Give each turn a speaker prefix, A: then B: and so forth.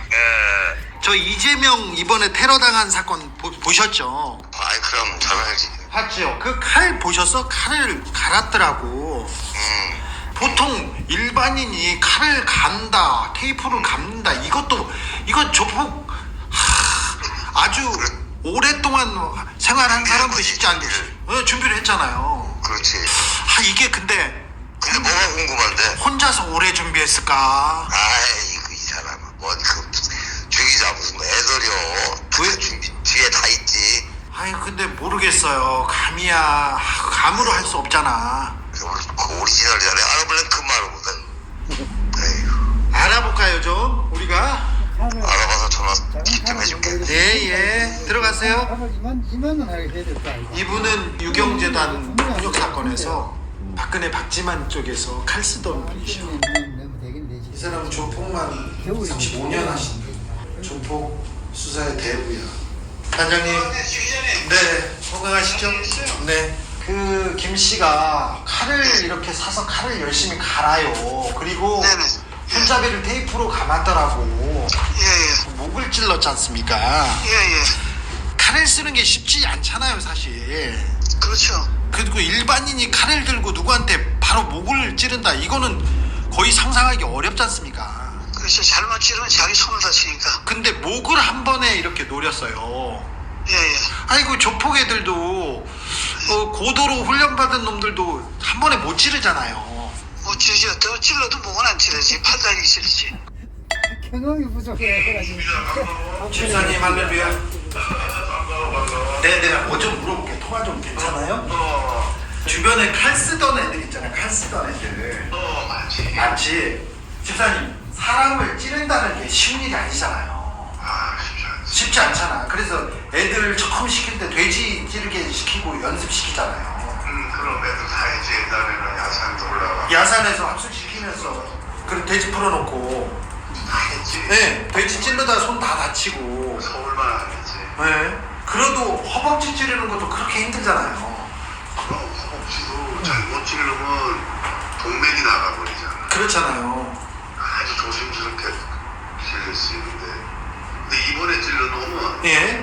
A: 예.
B: 저 이재명 이번에 테러 당한 사건 보셨죠?
A: 아이, 그럼 잘 알지.
B: 봤죠? 그 칼 보셨어? 칼을 갈았더라고. 보통 일반인이 칼을 간다, 테이프를 감는다, 이건 조폭 아주 오랫동안 생활한 사람도 쉽지 않겠지. 준비를 했잖아요.
A: 그렇지.
B: 이게 근데
A: 뭐가 궁금한데?
B: 혼자서 오래 준비했을까?
A: 아이, 이 사람은 주기자 무슨 애들이요.
B: 왜?
A: 준비 뒤에 다 있지.
B: 근데 모르겠어요. 감이야. 감으로 할 수 없잖아.
A: 그 오리지널이잖아. 알아보려면 그 말을 못해. 에휴.
B: 알아볼까요, 좀? 우리가?
A: 알아봐서 전화 좀 해줄게.
B: 예. 들어가세요.
C: 이만은 하게 해야 될까?
B: 이분은 유경재단 폭력 사건에서 박근혜 박지만 쪽에서 칼 쓰던 분이셔. 이 사람은 조폭만 35년 하신 조폭 수사의 대부야. 단장님. 네. 건강하시죠? 네. 그 김 씨가 칼을 이렇게 사서 칼을 열심히 갈아요. 그리고
D: 네네.
B: 손잡이를 테이프로 감았더라고.
D: 예.
B: 목을 찔렀지 않습니까?
D: 예.
B: 칼을 쓰는 게 쉽지 않잖아요, 사실.
D: 그렇죠.
B: 그리고 일반인이 칼을 들고 누구한테 바로 목을 찌른다, 이거는 거의 상상하기 어렵지 않습니까?
D: 그렇죠. 잘못 찌르면 자기 손을 다치니까.
B: 근데 목을 한 번에 이렇게 노렸어요.
D: 예.
B: 아이고, 조폭애들도 고도로 훈련받은 놈들도 한 번에 못 찌르잖아요.
D: 못 찌르죠. 더 찔러도 목은 안 찌르지. 팔다리 찌르지.
C: 경험이 부족해.
B: 주사님, 할렐루야. 네, 내가 뭐 좀 물어볼게. 통화 좀 괜찮아요? 주변에 칼 쓰던 애들 있잖아요. 칼 쓰던 애들. 맞지? 집사님, 사람을 찌른다는 게 쉬운 일이 아니잖아요. 쉽지 않잖아. 그래서 애들 처음 시킬 때 돼지 찌르게 시키고 연습시키잖아요.
A: 그럼 애들 다 이제 옛날에는 야산도 올라가.
B: 야산에서 합숙시키면서 그리고 돼지 풀어놓고,
A: 다 했지.
B: 네, 돼지 찌르다 손 다 다치고.
A: 서울만 안 했지.
B: 네. 그래도 허벅지 찌르는 것도 그렇게 힘들잖아요.
A: 그럼 허벅지도 잘못 찌르면 동맥이 나가버리잖아.
B: 그렇잖아요.
A: 아주 조심스럽게 찔릴 수 있는데. 근데 이번에 찔러 놓으면
B: 예.